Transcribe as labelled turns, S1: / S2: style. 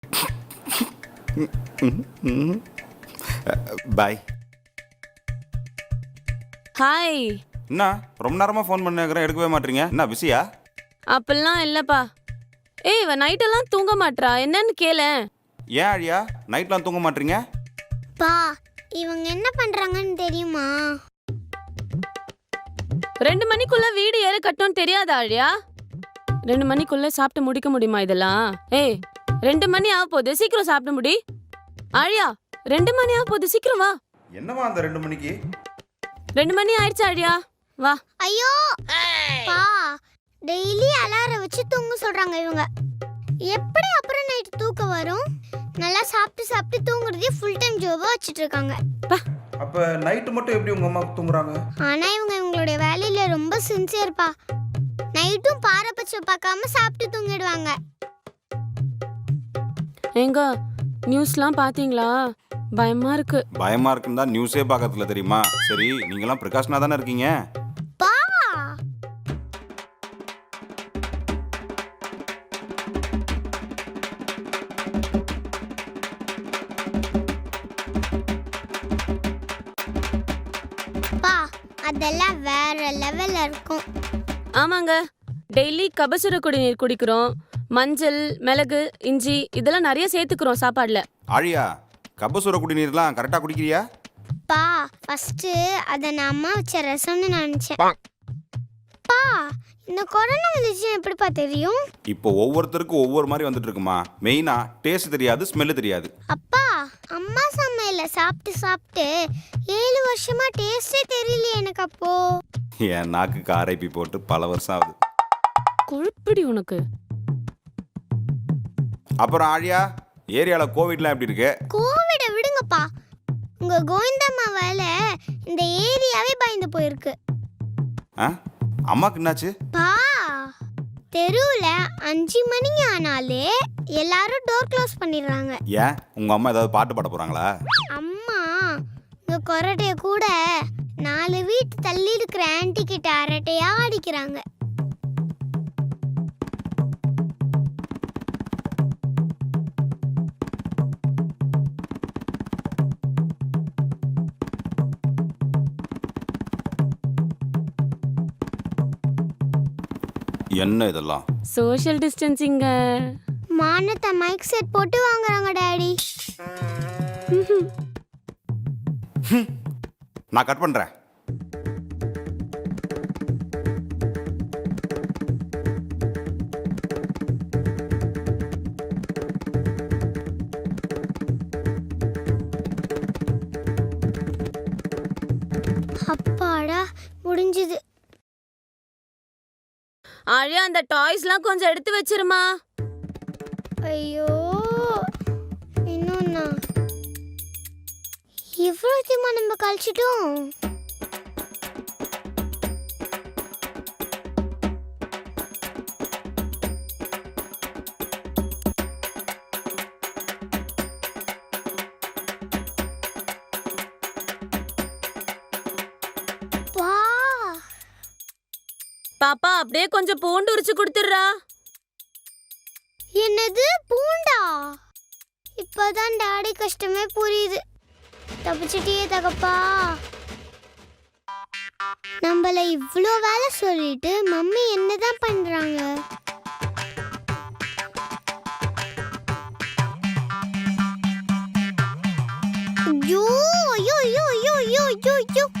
S1: பாய்.
S2: Hi.
S1: என்ன ரொம்ப நேரமாக ஃபோன் பண்ணிக்கிறேன், எடுக்கவே மாட்டீங்க? என்ன பிஸியா?
S2: அப்பெல்லாம் இல்லப்பா. ஏய், இவ நைட்டெல்லாம் தூங்க மாட்றா, என்னன்னு கேளேன்.
S1: ஏன் அழியா நைட்லாம் தூங்க மாட்டீங்க?
S3: பா, இவங்க என்ன பண்றாங்கன்னு தெரியுமா?
S2: 2 மணிக்குள்ள வீடு ஏற கட்டணும்னு தெரியாதா ஆழியா? 2 மணிக்குள்ள சாப்பிட்டு முடிக்க முடியுமா இதெல்லாம்? ஏய், 2 மணி ஆக போகுது, சீக்கிரம் சாப்பிட்டு முடி. ஆழியா, 2 மணி ஆக போகுது, சீக்கிரம் வா.
S1: என்னவா அந்த 2 மணிக்கு?
S2: 2 மணி ஆயிடுச்சு ஆழியா, வா.
S3: ஐயோ பா, டெய்லி அலாரம் வச்சு தூங்க சொல்றாங்க இவங்க. எப்படி அப்புறம் நைட் தூக்கம் வரும்? நல்லா சாப்பிட்டு சாப்பிட்டு தூங்குறதே ஃபுல் டைம் ஜாபா வச்சிட்டு இருக்காங்க.
S1: அப்ப நைட் மட்டும் எப்படி உங்க அம்மா தூங்குறாங்க?
S3: ஆனா இவங்க இவங்களுடைய வேலையில ரொம்ப சின்சியர்ப்பா. நைட்டும் பாரபட்சம் பார்க்காம சாப்பிட்டு தூங்கிடுவாங்க.
S2: எங்க நியூஸ்லாம் பாத்தீங்களா? பயமா இருக்கு.
S1: பயமா இருக்குன்னு தான் நியூஸே பார்க்கறதுல தெரியுமா? சரி, நீங்களாம் ப்ரிகாஷனா தானே இருக்கீங்க?
S3: பா, பா, அதெல்லாம் வேற லெவல்ல இருக்கும்.
S2: ஆமாங்க, டெய்லி கபசுர குடிநீர் குடிக்கிறோம். மஞ்சள், மிளகு, இஞ்சி இதெல்லாம் நிறைய சேர்த்துக்கிறோம் சாப்பாடுல.
S1: ஆழியா, கபசுர குடிநீர்லாம் கரெக்டா குடிக்கிறியா?
S3: பா, ஃபர்ஸ்ட் அத நான் அம்மா வச்ச ரசம்னு நினைச்சேன். பா, இந்த கொரோனா வந்துச்சுன்னு எப்படிப்பா தெரியும்?
S1: இப்போ ஒவ்வொருத்தருக்கும் ஒவ்வொரு மாதிரி வந்துட்டு இருக்குமா. மெயினா டேஸ்ட் தெரியாது, ஸ்மெல் தெரியாது.
S3: அப்பா, அம்மா சமையல சாப்பிட்டு சாப்பிட்டு 7 வருஷமா டேஸ்டே தெரியலையே எனக்கு. அப்போ
S1: என் நாக்கு காரைப்பி போட்டு பல வருஷம் ஆகுது.
S2: கொழுப்பிடி உனக்கு.
S1: அப்புறம் ஆழியா, ஏரியால கோவிட்லாம் எப்படி இருக்கு?
S3: கோவிட விடுங்கப்பா, உங்க கோவிந்தம்மாவால இந்த ஏரியாவே பயந்து போயிருக்கு.
S1: அம்மாக்கு என்னாச்சு?
S3: பா, தெருவுல 5 மணி ஆனாலே எல்லாரும் டோர் க்ளோஸ் பண்ணிடுறாங்க.
S1: ஏன் உங்க அம்மா ஏதாவது பாட்டு பாட போறாங்களா?
S3: அம்மா உங்க கொரட்டைய கூட 4 வீட்டு தள்ளி இருக்கிற ஆன்ட்டி கிட்ட அரட்டையா அடிக்கிறாங்க.
S1: என்ன இதெல்லாம்?
S2: சோஷியல் டிஸ்டன்சிங்க.
S3: மானத்தை மைக் செட் போட்டு வாங்குறாங்க டாடி.
S1: நான் கட் பண்றேன்.
S3: அப்பாடா, முடிஞ்சது.
S2: ஆழியா, அந்த டாய்ஸ்லாம் கொஞ்சம் எடுத்து வச்சிருமா.
S3: ஐயோ, இன்னொன்னா இவ்வளோ தீமா நம்ம கழிச்சிட்டோம்.
S2: பாப்பா, அப்படியே கொஞ்சம் பூண்டு உரிச்சு கொடுத்துடுறா.
S3: என்னது பூண்டா? இப்பதான் டாடி கஷ்டமே புரியுது. தப்பிச்சிட்டியே தகப்பா. நம்மள இவ்வளோ வேலை சொல்லிட்டு மம்மி என்னதான் பண்றாங்க? ஐயோ ஐயோ ஐயோ ஐயோ ஐயோ ஐயோ.